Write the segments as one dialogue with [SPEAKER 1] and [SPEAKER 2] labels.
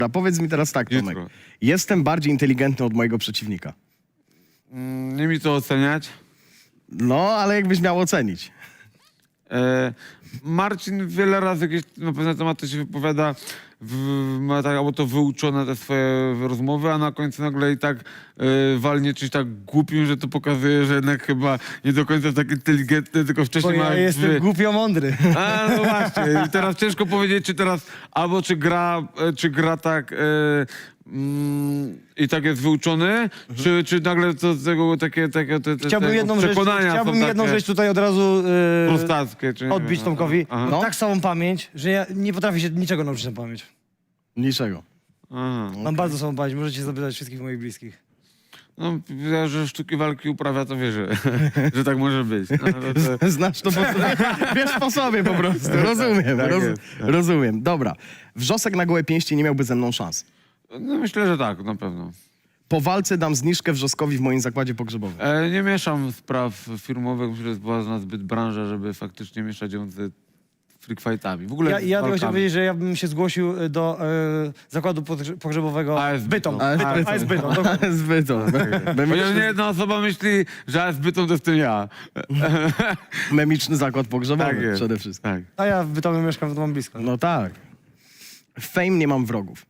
[SPEAKER 1] A powiedz mi teraz tak, Tomek.
[SPEAKER 2] Jutro.
[SPEAKER 1] Jestem bardziej inteligentny od mojego przeciwnika.
[SPEAKER 2] Nie mi to oceniać.
[SPEAKER 1] No, ale jakbyś miał ocenić.
[SPEAKER 2] Marcin wiele razy jakieś na pewne tematy się wypowiada, ma tak, albo to wyuczone te swoje rozmowy, a na końcu nagle i tak walnie czymś tak głupim, że to pokazuje, że jednak chyba nie do końca tak inteligentny, tylko
[SPEAKER 3] Bo
[SPEAKER 2] wcześniej
[SPEAKER 3] ja jestem głupio mądry.
[SPEAKER 2] A, no właśnie. I teraz ciężko powiedzieć, czy teraz albo czy gra tak i tak jest wyuczony, czy nagle to z tego takie
[SPEAKER 3] Chciałbym jedną rzecz,
[SPEAKER 2] przekonania są takie
[SPEAKER 3] rzecz tutaj od razu
[SPEAKER 2] prostackie, czy nie
[SPEAKER 3] odbić
[SPEAKER 2] wiem.
[SPEAKER 3] Tomkowi.
[SPEAKER 2] Aha.
[SPEAKER 3] Mam tak samą pamięć, że ja nie potrafię się niczego nauczyć na pamięć.
[SPEAKER 1] Niczego.
[SPEAKER 2] Aha.
[SPEAKER 3] Mam bardzo samą pamięć, możecie zapytać wszystkich moich bliskich.
[SPEAKER 2] No, ja, że sztuki walki uprawia, to wierzę, że tak może być. No, ale to...
[SPEAKER 1] Znasz to po prostu. Wiesz po sobie po prostu. Rozumiem,
[SPEAKER 2] Tak jest, tak.
[SPEAKER 1] rozumiem. Dobra. Wrzosek na gołe pięści nie miałby ze mną szans.
[SPEAKER 2] No, myślę, że tak, na pewno.
[SPEAKER 1] Po walce dam zniżkę Wrzoskowi w moim zakładzie pogrzebowym.
[SPEAKER 2] Nie mieszam spraw firmowych, myślę, że jest była zbyt branża, żeby faktycznie mieszać ją z freak fightami. W ogóle
[SPEAKER 3] Ja
[SPEAKER 2] z
[SPEAKER 3] tylko
[SPEAKER 2] walkami.
[SPEAKER 3] chciałem powiedzieć, że ja bym się zgłosił do zakładu pogrzebowego
[SPEAKER 2] AS
[SPEAKER 3] Bytom.
[SPEAKER 2] Bytom.
[SPEAKER 3] AS Bytom. dokładnie.
[SPEAKER 1] Zbyt.
[SPEAKER 2] Chociaż nie jedna osoba myśli, że AS Bytom to jestem ja.
[SPEAKER 1] Memiczny zakład pogrzebowy
[SPEAKER 2] Tak jest.
[SPEAKER 1] przede wszystkim.
[SPEAKER 2] Tak.
[SPEAKER 3] A ja w Bytomie mieszkam, to mam blisko.
[SPEAKER 1] No tak. W Fame nie mam wrogów.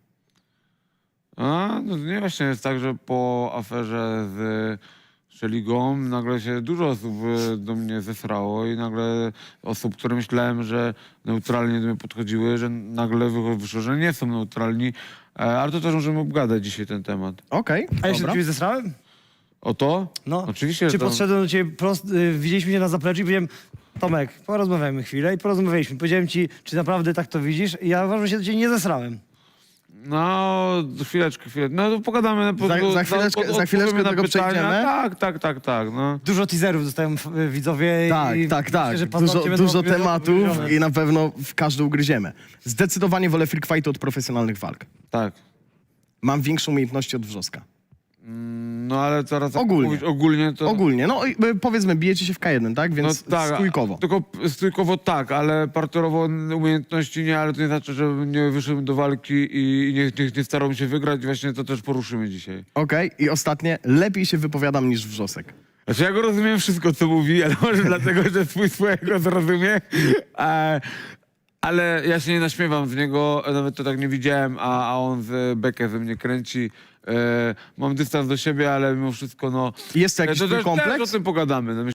[SPEAKER 2] A, no nie właśnie jest tak, że po aferze z Szeligą nagle się dużo osób do mnie zesrało i nagle osób, które myślałem, że neutralnie do mnie podchodziły, że nagle wyszło, że nie są neutralni. Ale to też możemy obgadać dzisiaj ten temat.
[SPEAKER 1] Okej,
[SPEAKER 3] A ja się do
[SPEAKER 1] dobra.
[SPEAKER 3] ciebie zesrałem?
[SPEAKER 2] O to?
[SPEAKER 3] No.
[SPEAKER 2] Oczywiście,
[SPEAKER 3] Czy
[SPEAKER 2] że to...
[SPEAKER 3] podszedłem do ciebie widzieliśmy się na zapleczu i powiedziałem, Tomek, porozmawiajmy chwilę i porozmawialiśmy. Powiedziałem ci, czy naprawdę tak to widzisz? I ja uważam, że się do ciebie nie zesrałem.
[SPEAKER 2] No, chwileczkę. No to pogadamy.
[SPEAKER 1] Za chwileczkę
[SPEAKER 2] odpowiemy
[SPEAKER 1] do
[SPEAKER 2] na
[SPEAKER 1] tego
[SPEAKER 2] pytania.
[SPEAKER 1] przejdziemy.
[SPEAKER 2] Tak, no.
[SPEAKER 3] Dużo teaserów dostają widzowie.
[SPEAKER 1] Tak,
[SPEAKER 3] i
[SPEAKER 1] tak.
[SPEAKER 3] myślę, że paznokcie będą
[SPEAKER 1] Dużo
[SPEAKER 3] ugryzione.
[SPEAKER 1] tematów i na pewno w każdy ugryziemy. Zdecydowanie wolę freak fighty od profesjonalnych walk.
[SPEAKER 2] Tak.
[SPEAKER 1] Mam większe umiejętności od Wrzoska.
[SPEAKER 2] No ale teraz jak
[SPEAKER 1] Ogólnie.
[SPEAKER 2] mówisz ogólnie to...
[SPEAKER 1] Ogólnie, no i, powiedzmy, bijecie się w K1, tak? Więc stójkowo.
[SPEAKER 2] Tylko stójkowo tak, ale parterowo umiejętności nie, ale to nie znaczy, że nie wyszedłem do walki i nie starałem się wygrać. Właśnie to też poruszymy dzisiaj.
[SPEAKER 1] Okej, i ostatnie, lepiej się wypowiadam niż Wrzosek.
[SPEAKER 2] Znaczy ja go rozumiem wszystko, co mówi, ale może dlatego, że swojego zrozumie. Ale ja się nie naśmiewam z niego, nawet to tak nie widziałem, a on z bekę ze mnie kręci. Mam dystans do siebie, ale mimo wszystko, no...
[SPEAKER 1] Jest to jakiś
[SPEAKER 2] to
[SPEAKER 1] twój
[SPEAKER 2] też
[SPEAKER 1] kompleks?
[SPEAKER 2] o tym pogadamy. No,